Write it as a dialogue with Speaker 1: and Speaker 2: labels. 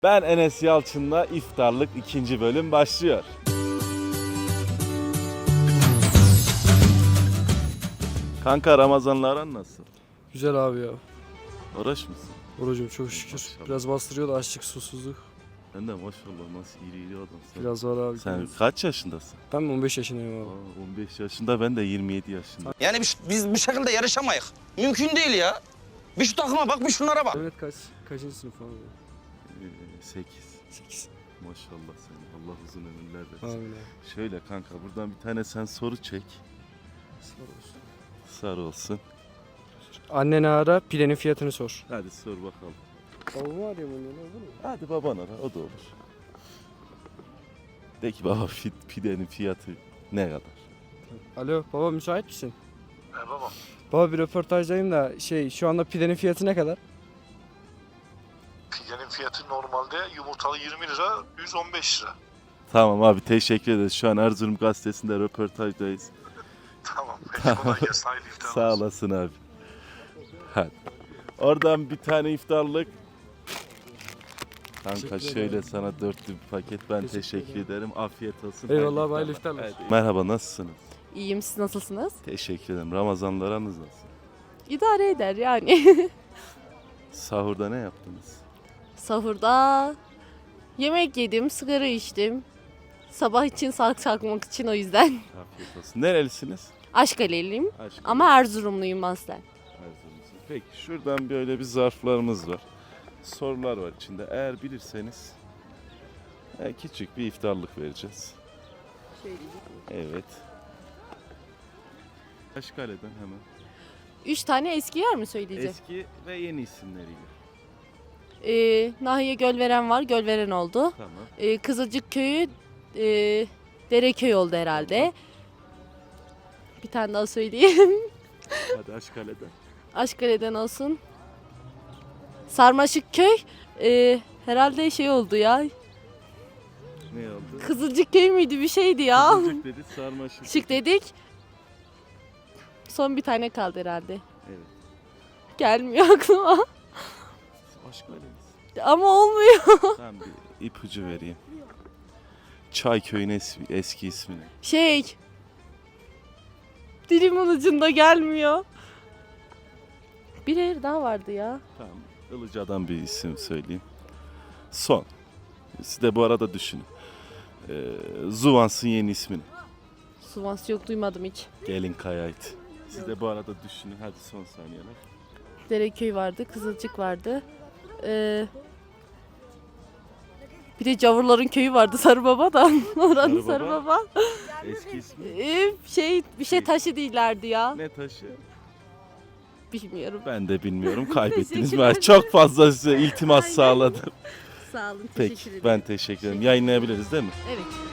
Speaker 1: Ben Enes Yalçın'la iftarlık 2. bölüm başlıyor. Kanka Ramazan'la aran nasıl?
Speaker 2: Güzel abi ya.
Speaker 1: Oruç musun?
Speaker 2: Orucum çok şükür.
Speaker 1: Maşallah.
Speaker 2: Biraz bastırıyor da açlık, susuzluk.
Speaker 1: Ben de maşallah nasıl iri adamsın.
Speaker 2: Biraz var abi.
Speaker 1: Sen kaç yaşındasın?
Speaker 2: Ben 15 yaşındayım abi.
Speaker 1: 15 yaşında, ben de 27 yaşında.
Speaker 3: Yani biz bu şekilde yarışamayız. Mümkün değil ya. Bir şu takıma bak, bir şunlara bak.
Speaker 2: Evet kaçıncı sınıf abi?
Speaker 1: 8.
Speaker 2: 8.
Speaker 1: Maşallah senin. Allah uzun ömürler versin.
Speaker 2: Amin abi.
Speaker 1: Şöyle kanka buradan bir tane sen soru çek.
Speaker 2: Sağ olsun.
Speaker 1: Sarı olsun.
Speaker 2: Anneni ara, pidenin fiyatını sor.
Speaker 1: Hadi sor bakalım.
Speaker 2: Babamı arıyorum onu, olur mu?
Speaker 1: Hadi baban ara, o da olur. De ki baba pidenin fiyatı ne kadar?
Speaker 2: Alo baba, müsait misin?
Speaker 4: Baba,
Speaker 2: Baba bir röportajdayım da şu anda pidenin fiyatı ne kadar?
Speaker 4: pidenin fiyatı normalde yumurtalı 20 lira, 115 lira.
Speaker 1: Tamam abi, teşekkür ederiz. Şu an Erzurum Gazetesi'nde röportajdayız.
Speaker 4: Tamam, peki kolay gelsin, hayırlı iftarlar.
Speaker 1: Sağ olasın abi. Hadi. Oradan bir tane iftarlık. Kanka
Speaker 2: Teşekkür
Speaker 1: şöyle
Speaker 2: ederim.
Speaker 1: sana 4'lü bir paket, ben
Speaker 2: Teşekkür
Speaker 1: teşekkür
Speaker 2: ederim.
Speaker 1: ederim. Afiyet olsun.
Speaker 2: Eyvallah abi, hayırlı iftarlar.
Speaker 1: Hadi. Merhaba, nasılsınız?
Speaker 5: İyiyim, siz nasılsınız?
Speaker 1: Teşekkür ederim. Ramazanlarınız nasıl?
Speaker 5: İdare eder yani.
Speaker 1: Sahurda ne yaptınız?
Speaker 5: Sahurda yemek yedim, sigara içtim. Sabah için sağlık çakmak için, o yüzden.
Speaker 1: Afiyet olsun. Nerelisiniz?
Speaker 5: Aşkaleliyim
Speaker 1: Aşkım.
Speaker 5: ama Erzurumluyum aslen.
Speaker 1: Erzurumlusun. Peki şuradan böyle bir zarflarımız var. Sorular var içinde. Eğer bilirseniz küçük bir iftarlık vereceğiz. Evet. Aşkale'den hemen.
Speaker 5: 3 tane eski yer mi söyleyeceğim?
Speaker 1: Eski ve yeni isimleriyle.
Speaker 5: Nahiye Gölveren var, Gölveren oldu.
Speaker 1: Tamam.
Speaker 5: Kızılcık Köyü Dereköy oldu herhalde. Bir tane daha söyleyeyim.
Speaker 1: Hadi Aşkale'den.
Speaker 5: Aşkale'den olsun. Sarmaşık Köy herhalde oldu ya.
Speaker 1: Ne oldu?
Speaker 5: Kızılcık Köy müydü, bir şeydi ya.
Speaker 1: Kızılcık dedi, sarmaşık.
Speaker 5: Şık dedik. Son bir tane kaldı herhalde.
Speaker 1: Evet.
Speaker 5: Gelmiyor aklıma.
Speaker 1: Aşkale'miz.
Speaker 5: Ama olmuyor.
Speaker 1: Tamam, bir ipucu vereyim. Çayköy'ün eski ismini.
Speaker 5: Dilimin ucunda gelmiyor. Bir yer daha vardı ya.
Speaker 1: Tamam. Ilıca'dan bir isim söyleyeyim. Son. Siz de bu arada düşünün. Zuvans'ın yeni ismini.
Speaker 5: Suvans yok, duymadım hiç.
Speaker 1: Gelin Kayait. Siz de bu arada düşünün. Hadi son saniyeler.
Speaker 5: Dereköy vardı, Kızılcık vardı. Bir de Cavurların köyü vardı, Sarıbaba da. Oranın
Speaker 1: Sarıbaba?
Speaker 5: Sarıbaba.
Speaker 1: Eski ismi.
Speaker 5: Bir şey taşı değillerdi ya.
Speaker 1: Ne taşı?
Speaker 5: Bilmiyorum.
Speaker 1: Ben de bilmiyorum. Kaybettiniz.
Speaker 5: Teşekkür
Speaker 1: Ben çok fazla size iltimas sağladım.
Speaker 5: Sağ olun,
Speaker 1: Peki, ben teşekkür ederim. Yayınlayabiliriz değil mi?
Speaker 5: Evet.